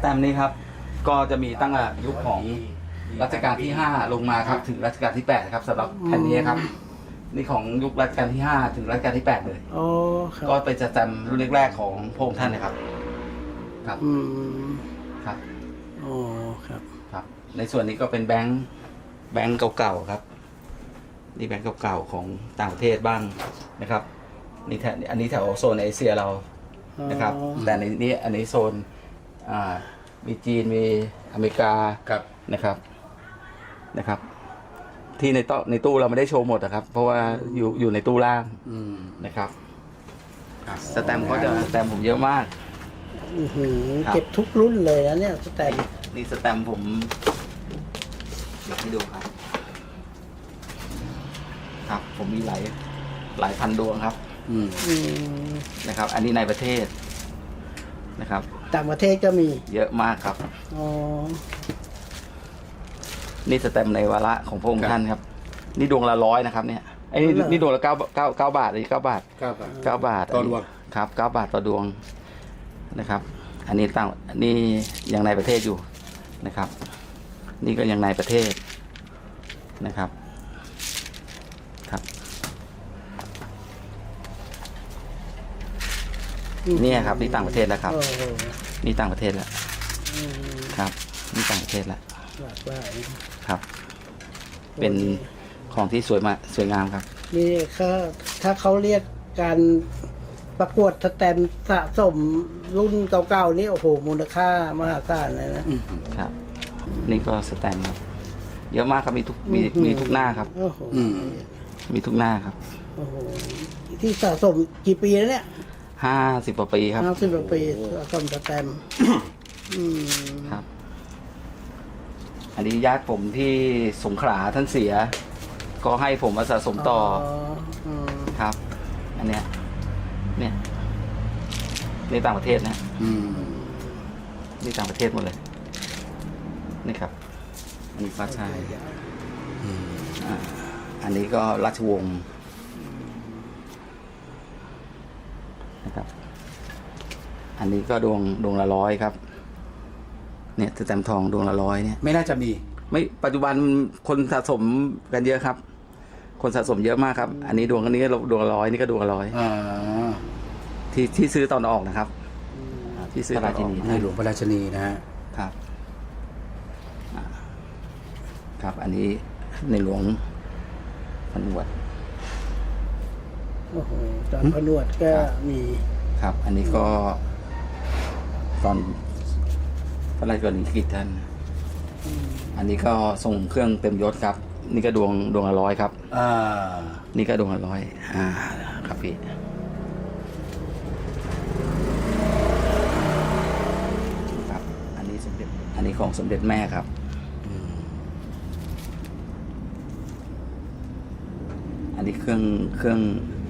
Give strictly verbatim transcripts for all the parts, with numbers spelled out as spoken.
ตมป์นี้ครับก็จะมีตั้งแต่ยุคของรัชกาลที่ห้าลงมาครับถึงรัชกาลที่แปดครับสำหรับแผ่นนี้ครับนี่ของยุครัชกาลที่ห้าถึงรัชกาลที่แปดเลยอ๋อครับก็เป็นสแตมป์รุ่นแรกๆของพระองค์ท่านนะครับครับอืมครับอ๋อครับครับในส่วนนี้ก็เป็นแบงค์แบงค์เก่าๆครับนี่แบงค์เก่าๆของต่างประเทศบ้างนะครับนี่แถวอันนี้แถวโซนเอเชียเรานะครับแต่ในนี้อันนี้โซนอ่ามีจีนมีอเมริกาครับนะครับนะครับ ที่ในตู้ในตู้เราไม่ได้โชว์หมดนะครับ เพราะว่าอยู่อยู่ในตู้ล่างอืมนะครับสแตมป์ก็จะสแตมป์ผมเยอะมากอื้อหือครับเก็บทุกรุ่นเลยนะเนี่ยสแตมป์นี่สแตมป์ผมเดี๋ยวให้ดูครับ ครับ ผมมีหลายหลายพันดวงครับอืมอืมนะครับ อันนี้ในประเทศนะครับต่างประเทศก็มีเยอะมากครับอ๋อนี่สแตมป์ในวาระของพระองค์ท่านครับ นี่ดวงละร้อยนะครับเนี่ยไอ้นี่นี่ดวงละเก้าเก้าเก้าบาทนี่เก้าบาทครับเก้าบาทต่อดวงครับเก้าบาทต่อดวงนะครับ อันนี้ตั้งอันนี้ยังในประเทศอยู่นะครับ นี่ก็ยังในประเทศนะครับครับเนี่ยครับนี่ต่างประเทศแล้วครับโอ้โหนี่ต่างประเทศแล้วอืมครับนี่ต่างประเทศแล้วหลากหลายครับ เป็นของที่สวยมากสวยงามครับนี่เขาถ้าเขาเรียกการประกวดสแตมป์สะสมรุ่นเก่าๆนี่โอ้โหมูลค่ามหาศาลเลยนะครับนี่ก็สแตมป์ครับเยอะมากครับมีทุกมีมีทุกหน้าครับโอ้โหอืมมีทุกหน้าครับโอ้โหที่สะสมกี่ปีแล้วเนี่ยห้าสิบกว่าปีครับห้าสิบกว่าปีสะสมสแตมป์อืมครับ อันนี้ญาติผมที่สงขลาท่านเสีย ก็ให้ผมมาสะสมต่ออืมครับ อันเนี้ยเนี่ยนี่ต่างประเทศนะอืมนี่ต่างประเทศหมดเลย นี่ครับ อันนี้ฟ้าชายอืมอ่าอันนี้ก็ราชวงศ์นะครับ อันนี้ก็ดวงดวงละร้อยครับ เนี่ยสแตมป์ทองดวงละร้อยเนี่ยไม่น่าจะมีไม่ปัจจุบันคนสะสมกันเยอะครับ คนสะสมเยอะมากครับ อันนี้ดวงอันนี้ก็ดวงละร้อยนี่ก็ดวงละร้อยอ่าที่ที่ซื้อตอนออกนะครับ ที่ซื้อตอนออกในหลวงพระราชินีนะฮะครับอ่าครับ อันนี้ในหลวงพันวดโอ้โหตอนผนวดก็ครับมีครับ อันนี้ก็ตอนพระราชกรณียกิจท่าน อันนี้ก็ส่งเครื่องเต็มยศครับ นี่ก็ดวงดวงละร้อยครับอ่านี่ก็ดวงละร้อยอ่าครับพี่ครับ อันนี้สมเด็จ อันนี้ของสมเด็จแม่ครับ อันนี้เครื่องเครื่อง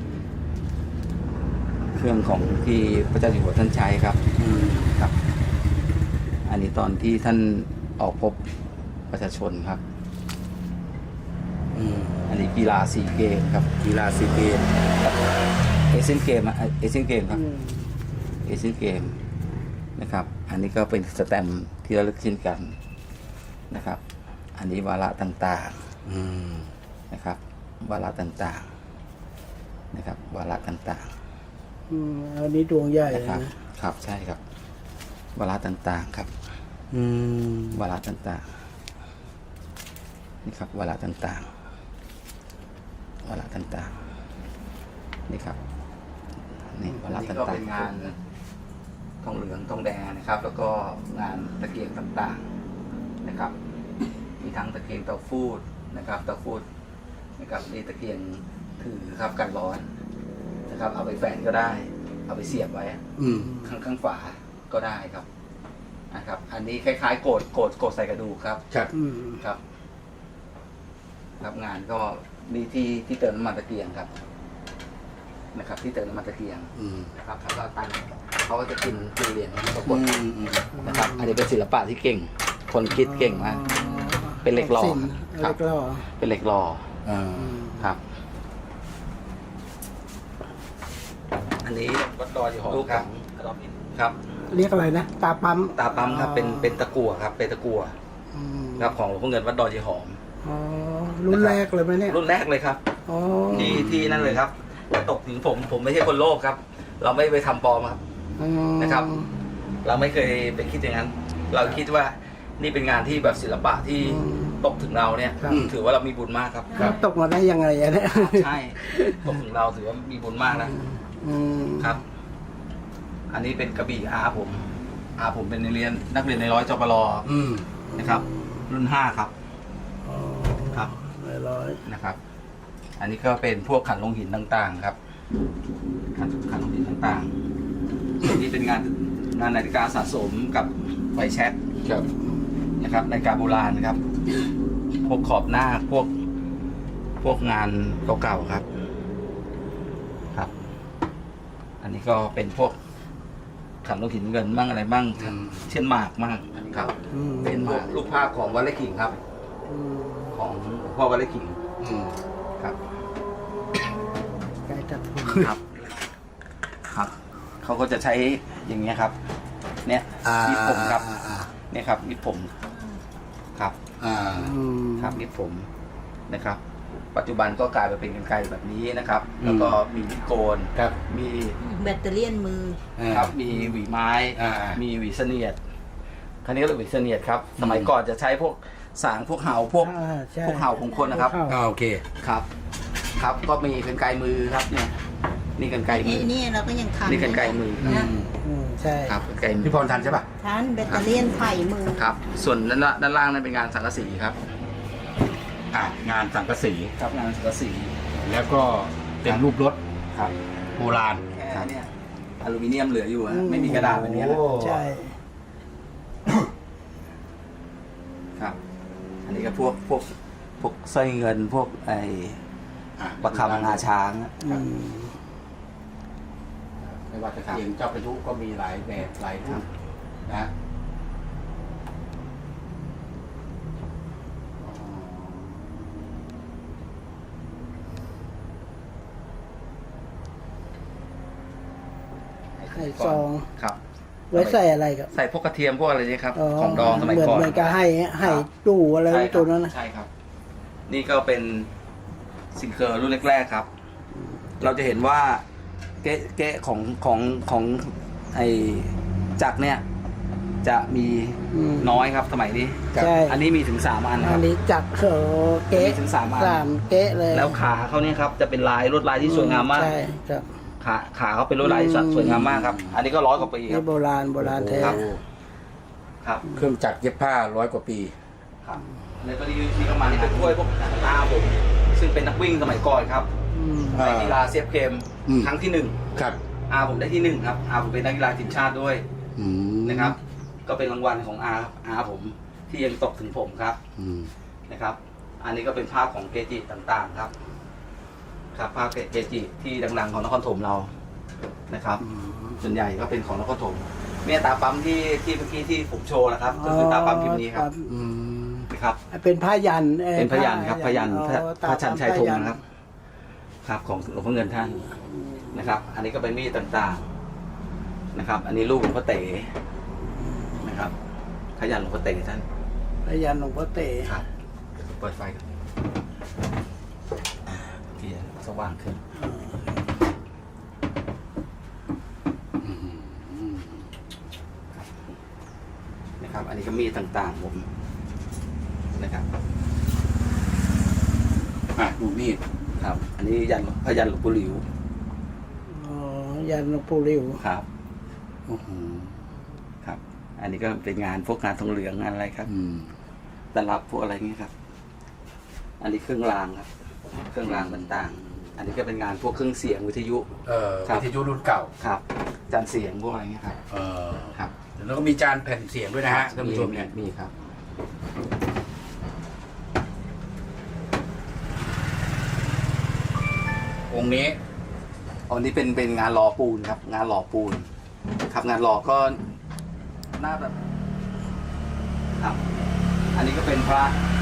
เครื่องของที่พระเจ้าอยู่หัวท่านใช้ครับอืมครับ อันนี้ตอนที่ท่านออกพบประชาชนครับอืมอันนี้กีฬาซีเกมครับกีฬาซีเกมเอเชียนเกมอะเอเชียนเกมครับอืมเอเชียนเกมนะครับ อันนี้ก็เป็นสแตมป์ที่ระลึกเช่นกันนะครับ อันนี้วาระต่างอืมๆนะครับ วาระต่างๆนะครับ วาระต่างอืมอันนี้ดวงใหญ่ๆเลยนะครับนะครับใช่ครับ วาระต่างๆครับอืมวาระต่างๆนี่ครับวาระต่างๆวาระต่างๆนี่ครับนี่วาระต่างๆเป็นงานทองเหลืองทองแดงนะครับ แล้วก็งานตะเกียงต่างๆนะครับ มีทั้งตะเกียงเตาฟูดนะครับเตาฟูดนะครับนี่ตะเกียงถือครับกันร้อนนะครับ เอาไปแฝนก็ได้ เอาไปเสียบไว้อืมข้างข้างฝาก็ได้ครับนะครับ อันนี้คล้ายๆโกดโกดโกดใส่กระดูกครับครับอืมครับครับงานก็มีที่ที่เติมน้ำมันตะเกียงครับนะครับ ที่เติมน้ำมันตะเกียงอืมนะครับแล้วก็ตั้งเขาก็จะกินกินเหรียญปรากฏอืมอืมนะครับ อันนี้เป็นศิลปะที่เก่ง คนคิดเก่งมาก เป็นเหล็กหล่อสินครัเหบล็กหล่อเป็นเหล็กหล่ออ่าครับ อันนี้วัดดอยอยู่หอครับครับเรียกอะไรนะตาปั๊มตาปั๊มครับเป็นเป็นตะกั่วครับเป็นตะกั่วอืมครับของหลวงพ่อเงินวัดดอยยีหอมอ๋อรุ่นแรกเลยไหมเนี่ยรุ่นแรกเลยครับอ๋อที่ที่นั่นเลยครับแต่ตกถึงผมผมไม่ใช่คนโลภครับ เราไม่ไปทำปลอมครับอืมนะครับ เราไม่เคยไปคิดอย่างนั้น เราคิดว่านี่เป็นงานที่แบบศิลปะที่ตกถึงเราเนี่ยครับถือว่าเรามีบุญมากครับครับตกมาได้ยังไงอะเนี่ยใช่ตกถึงเราถือว่ามีบุญมากนะอืมครับ อันนี้เป็นกระบี่อาผมอาผมเป็นนักเรียนนักเรียนในร้อยจปรอืมนะครับ รุ่นห้าครับอ๋อครับร้อยนะครับ อันนี้ก็เป็นพวกขันลงหินต่างๆ ครับ ขันขันลงหินต่างๆส่วนนี้เป็นงานงานนาฬิกาสะสมกับไฟแช็กครับนะครับนาฬิกาโบราณนะครับ พวกขอบหน้าพวกพวกงานเก่าๆครับ ครับ อันนี้ก็เป็นพวกขันลงหินเงินบ้างอะไรบ้างอืมเช่นหมากบ้างครับอืมเป็นพวกรูปภาพของวัดไร่ขิงครับอืมของหลวงพ่อวัดไร่ขิงอืมครับใกล้จับทุนครับ ครับเขาก็จะใช้อย่างเงี้ยครับ เนี่ยอ่ายิบผมครับอ่าอ่าเนี่ยครับยิบผมครับอ่าอืมครับยิบผมนะครับ ปัจจุบันก็กลายมาเป็นกรรไกรแบบนี้นะครับ แล้วก็มีมิดโกนครับมีแบตเตอรี่ยนมือครับมีหวีไม้อ่ามีหวีเสนียดคันนี้ก็เรียกหวีเสนียดครับ สมัยก่อนจะใช้พวกสางพวกเห่าพวกอ่าใช่พวกเห่าของคนนะครับพวกอ่าเห่าโอเคครับ ครับก็มีกรรไกรมือครับเนี่ยนี่กรรไกรมืนี่อนี่เราก็ยังทันนี่กรรไกรมืออืนะมอืมใช่ครับกรรไกรมือพี่พรทันใช่ป่ะทันแบตเตอรี่ยนไผ่มือครับ ส่วนด้านล่างด้านล่างนั่นเป็นงานสังกะสีครับอ่ะงานสังกะสีครับงานสังกะสีแล้วก็เป็นรูปรถครับโบราณแค่เนี่ยอลูมิเนียมเหลืออยู่ฮะไม่มีกระดาษแบบนี้นะโอ้ใช่ครับ อันนี้ก็พวกพวกพวกสร้อยเงินพวกไอ้อ่ะประคำงาช้างอะอืมไม่ว่าจะเขียนเจ้าประยุก็มีหลายแบบหลายรูปนะอ๋อไข่ซองครับไว้ใส่อะไรครับใส่พวกกระเทียมพวกอะไรนี่ครับ ของดองสมัยเหมือนก่อนเหมือนกับให้ให้ตู้อะไรใช่ครับตัวนั้นนะใช่ครับ นี่ก็เป็นซิงเกิลรุ่นแรกๆครับ เราจะเห็นว่าเก๊ะเก๊ะของของของไอจักรเนี่ย จะมีอืมน้อยครับสมัยนี้ใช่อันนี้มีถึงสามอันคอัรันบนี้จับเขอเก๊ะมีถึงสามอันสามเก๊ะเลยแล้วขาเขาเนี่ยครับจะเป็นลายลวดลายที่สวยงามมากใช่ครับขาขาเขาเป็นลวดลายที่อืมสวยงามมากครับ อันนี้ก็ร้อยกว่าปีคนี่รับโบราณโบราณแท้ครับ ครับเครื่องจักรเย็บผ้าร้อยกว่าปีครับในกรณีนี้ก็มานี่เป็นถ้วยพวกอาผมซึ่งเป็นนักวิ่งสมัยก่อนครับอืมอ่าในกีฬาเซียบเกมอืมครั้งที่หนึ่งครับอาผมได้ที่หนึ่งครับอาผมเป็นนักกีฬาทีมชาติด้วยอืมนะครับ ก็เป็นรางวัลของอาครับอาผมที่ยังตกถึงผมครับอืมนะครับ อันนี้ก็เป็นภาพของเกจิต่างๆครับ ครับภาพเกจิที่ดังๆของนครถมเรานะครับ ส่วนใหญ่ก็เป็นของนครถมเนี่ยตาปั๊มที่ที่เมื่อกี้ที่ผมโชว์นะครับก็คือตาปั๊มพิมพ์นี้ครับอืมนะครับเป็นผ้ายันอ่อเป็นพยันครับพยันอ๋อพระตาพระชันชัยธงพยันะครับ ครับของหลวงพ่อเงินท่านนะครับ อันนี้ก็เป็นมีดต่างๆนะครับ อันนี้รูปหลวงพ่อเต๋นะครับพยันหลวงพ่อเต๋ท่านพยันหลวงพ่อเต๋ครับเปิดไฟกันเทียนสว่างขึ้นนะครับ อันนี้ก็มีดต่างๆผมนะครับอ่ะดูมีดครับ อันนี้ยันพยันหลวงปู่หลิวอ๋อยันหลวงปู่ริ้วครับโอ้โหครับ อันนี้ก็เป็นงานพวกงานทองเหลืองงานอะไรครับอืมตลับพวกอะไรเงี้ยครับ อันนี้เครื่องรางครับ เครื่องรางต่างๆ อันนี้ก็เป็นงานพวกเครื่องเสียงวิทยุเอ่อครับวิทยุรุ่นเก่าครับจานเสียงพวกอะไรเงี้ยครับเอ่อครับแล้วก็มีจานแผ่นเสียงด้วยนะฮะท่านผู้ชมเนี่ยมีครับองค์นี้อันนี้เป็นเป็นงานหล่อปูนครับ งานหล่อปูน ครับงานหล่อก็หน้าแบบครับ อันนี้ก็เป็นพระ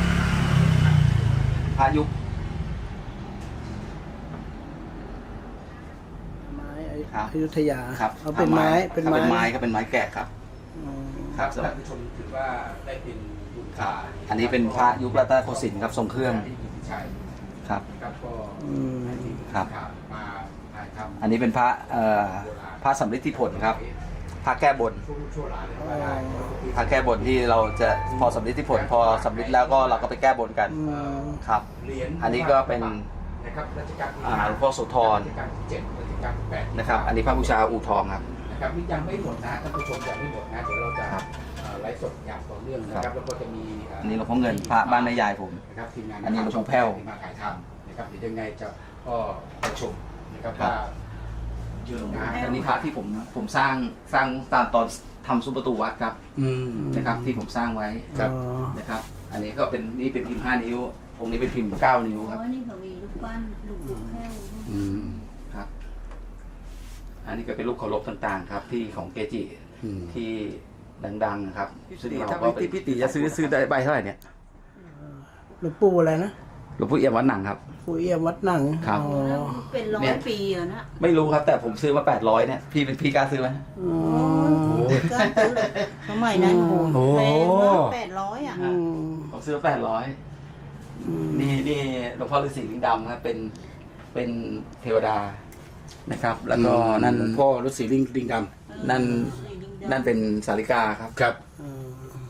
พระยุคไม้ไอ้คครับอยุธยาครับเอาเป็นไม้เป็นครับไม้เป็นไม้ก็เป็นไม้แกะครับอืมครับท่านผู้ชมถือว่าได้เป็นบุญครัตาบอันนี้เป็นพระยุครัตนโกสินทร์ครับทรงเครื่องที่กิติชัยครับครับก็อืมให้ทีมครับข่าวมาถ่ายทำอันนี้เป็นพระเอ่อพระสำริดที่ผลครับพระแก้บนช่วงช่วงหลานเลยว่าได้พระแก้บนที่เราจะพอสำริดที่ผล พอสำริดแล้วก็เราก็ไปแก้บนกันอืมครับเหรียญอันนี้ก็เป็นนะครับรัชกาลที่อ่าหลวงพ่อโสธรรัชกาลที่เจ็ดรัชกาลที่แปดนะครับ อันนี้พระบูชาอู่ทองครับนะครับนี่ยังไม่หมดนะท่านผู้ชมยังไม่หมดนะเดี๋ยวเราจะครับเอ่อไลฟ์สดอย่างต่อเนื่องนะครับแล้วก็จะมีเอันนี้หลวงพ่อเงินพระบ้านแม่ยายผมนะครับทีมงานอันนี้หลวงพ่อแพ้วที่มาถ่ายทำนะครับเดี๋ยวยังไงจะก็ประชมนะครับครับว่าเยอะนะอันนี้พระที่ผมผมสร้างสร้างตามตอนทำซุ้มประตูวัดครับอืมนะครับที่ผมสร้างไว้ครับอ๋อนะครับ อันนี้ก็เป็นนี่เป็นพิมพ์ห้านิ้วองค์นี้เป็นพิมพ์เก้านิ้วครับอ๋อนี่เขามีลูกปั้นลูกลูกแพ้วอืมครับ อันนี้ก็เป็นรูปเคารพต่างๆ ครับ ที่ของเกจิอืมที่ดังๆนะครับซึ่งเราถ้าก็พี่พี่ตีจะซื้อซื้อได้ใบเท่าไหร่เนี่ยหลวงปู่อะไรนะหลวงพ่อเอี่ยมวัดหนังครับปู่เอี่ยมวัดหนังครับอ๋อแล้วเป็นร้อเนี่ย ยปีอะนะไม่รู้ครับ แต่ผมซื้อมาแปดร้อยเนี่ยพี่เป็นพี่กล้าซื้อไหมอ๋อก็ซื้อเลยสมัยนั้นโอ้โอ้แพงมากแปดร้อยอ่ะอืมผมซื้อแปดร้อยนี่นี่หลวงพ่อฤาษีลิงดำครับเป็นเป็นเทวดานะครับ แล้วก็นั่นพ่อฤาษีลิงลิงดนั่นนั่นเป็นสาริกาครับำครับอืม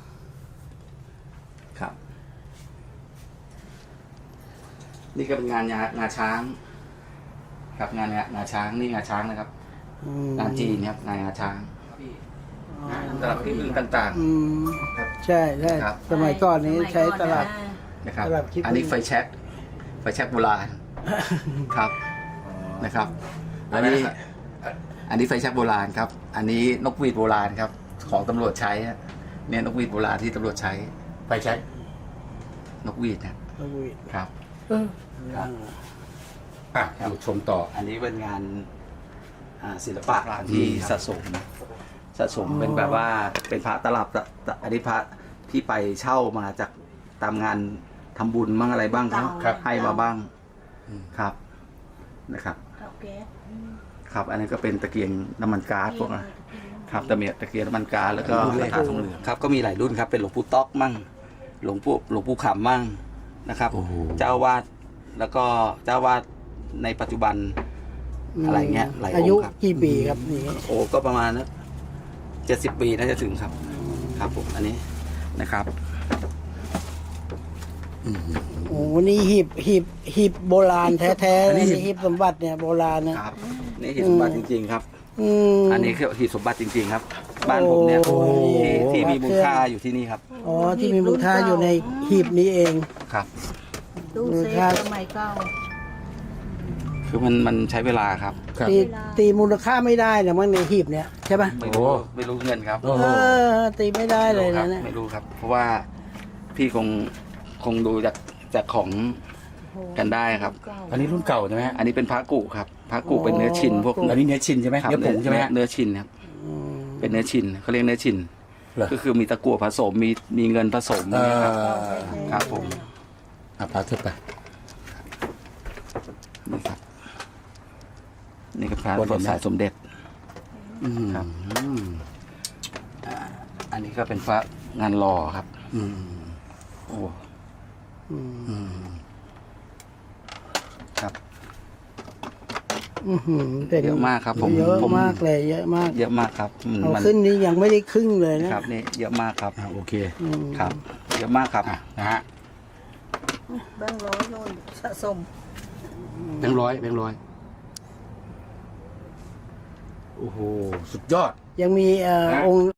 ครับ นี่ก็เป็นงานงางาช้าง ครับงานงางาช้างนี่งาช้างนะครับอืมงานจีนครับงานงาช้างตลับที่มือต่างอืมใช่ใช่ครับสมัยก่อนนี้ใช้ตลับๆนะครับตลับขี้ผึ้งอันนี้ไฟแช็กไฟแช็กโบราณครับนะครับ อันนี้ อันนี้ไฟแช็กโบราณครับ อันนี้นกหวีดโบราณครับ ของตำรวจใช้ฮะเนี่ยนกหวีดโบราณที่ตำรวจใช้ไปใช้นกหวีดนะนกหวีดครับเออครับอ่ะดูชมต่ออันนี้เป็นงานอ่าศิลปะที่สะสมสะสมเป็นแบบว่าเป็นพระตลับตะตะอันนี้พระที่ไปเช่ามาจากตามงานทำบุญบ้างอะไรบ้างเขาครับให้มาบ้างอืมครับนะครับเตาแก๊สครับ อันนี้ก็เป็นตะเกียงน้ำมันก๊าซพวกนั้นครับตะเมียตะเกียงน้ำมันก๊าซแล้วก็กระถางทองเหลืองครับก็มีหลายรุ่นครับเป็นหลวงปู่ต๊อกมั่งหลวงปู่หลวงปู่ขำมั่งนะครับโอ้โหเจ้าวาดแล้วก็เจ้าวาดในปัจจุบัน อะไรเงี้ยหลายองค์อายุครับกี่ปีครับนี่โอ้ก็ประมาณนะเจ็ดสิบปีน่าจะถึงครับ ครับผมอันนี้นะครับโอ้นี่หีบหีบหีบโบราณแท้ๆนี่หีบสมบัติเนี่ยโบราณนะครับนี่หีบสมบัติจริง ๆ ครับอืมอันนี้คือหีบสมบัติจริง ๆ ครับ บ้านผมเนี่ยโอ้โหที่ที่มีมูลค่าอยู่ที่นี่ครับอ๋อที่มีมูลค่าอยู่ในหีบนี้เองครับตู้เซฟสมัยเก่าคือมันมันใช้เวลาครับครับตีตีมูลค่าไม่ได้นะมั้งในหีบเนี่ยใช่ปะไม่รู้ไม่รู้เงินครับโอ้โหเออตีไม่ได้เลยครันะบเนี่ยไม่รู้ครับ เพราะว่าพี่คงคงดูจากจากของกันได้ครับอันนี้รุ่นเก่าใช่ไหมฮะอันนี้เป็นพระกุครับพระกุเป็นเนื้อชิ้นพวกอันนี้เนื้อชินใช่ไหมครับเนื้อผงใช่ไหมฮะเนื้อชิ้นครับอืมเป็นเนื้อชิ้นเขาเรียกเนื้อชิ้นเหรอก็คือมีตะกั่วผสมมีมีเงินผสมเอนะครับอครับผมอ่ะพาเถอะไปนี่ครับ นี่ก็พระวันบทสายสมเด็จอืมครับ อันนี้ก็เป็นพระงานหล่อครับอืมโอ้อืมอืมครับอื้อหือเป็นเยอะมากครับผมเยอะผมมากเลย เยอะมากเยอะมากครับมันเอามันขึ้นนี้ยังไม่ได้ครึ่งเลยนะครับนี่เยอะมากครับอ่ะโอเคอืมครับ เยอะมากครับอ่ะนะฮะแบงค์ร้อยโน่นสะสมแบงค์ร้อยแบงค์ร้อยโอ้โหสุดยอดยังมีเอ่อองค์